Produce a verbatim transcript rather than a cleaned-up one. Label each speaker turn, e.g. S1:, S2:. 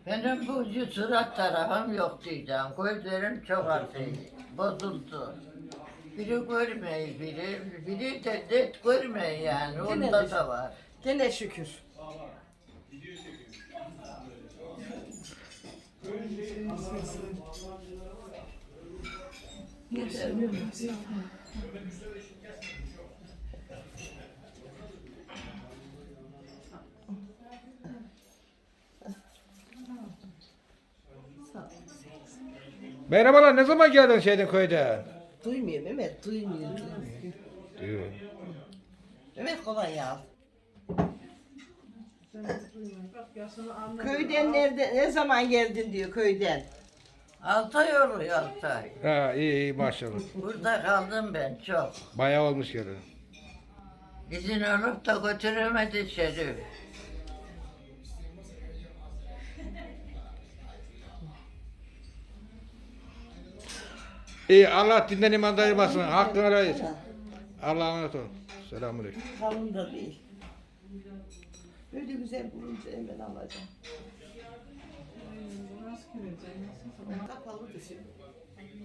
S1: Benim bu surat tarafım yok diyeceğim. Gözlerim çok artık bozuldu. Biri görmeyi, biri, biri de net görmeyi yani. Onda da var.
S2: Gene şükür.
S3: Merhabalar, ne zaman geldin şeyden köyden?
S2: Duymuyor Mehmet, duymuyor, duymuyor.
S3: Diyor.
S2: Mehmet kolay al. Köyden nerede, ne zaman geldin diyor köyden.
S1: Altı ay oluyor altı ay.
S3: Ha iyi iyi maşallah.
S1: Burada kaldım ben çok.
S3: Bayağı olmuş gelin.
S1: İzin olup da götüremedi Şerif.
S3: İyi Allah dinden iman ayırmasın. Hakkını arayız. Allah'a emanet olun. Selamünaleyküm.
S2: Kalın da değil. Böyle güzel bulunca hemen alacağım. Kapalı düşün.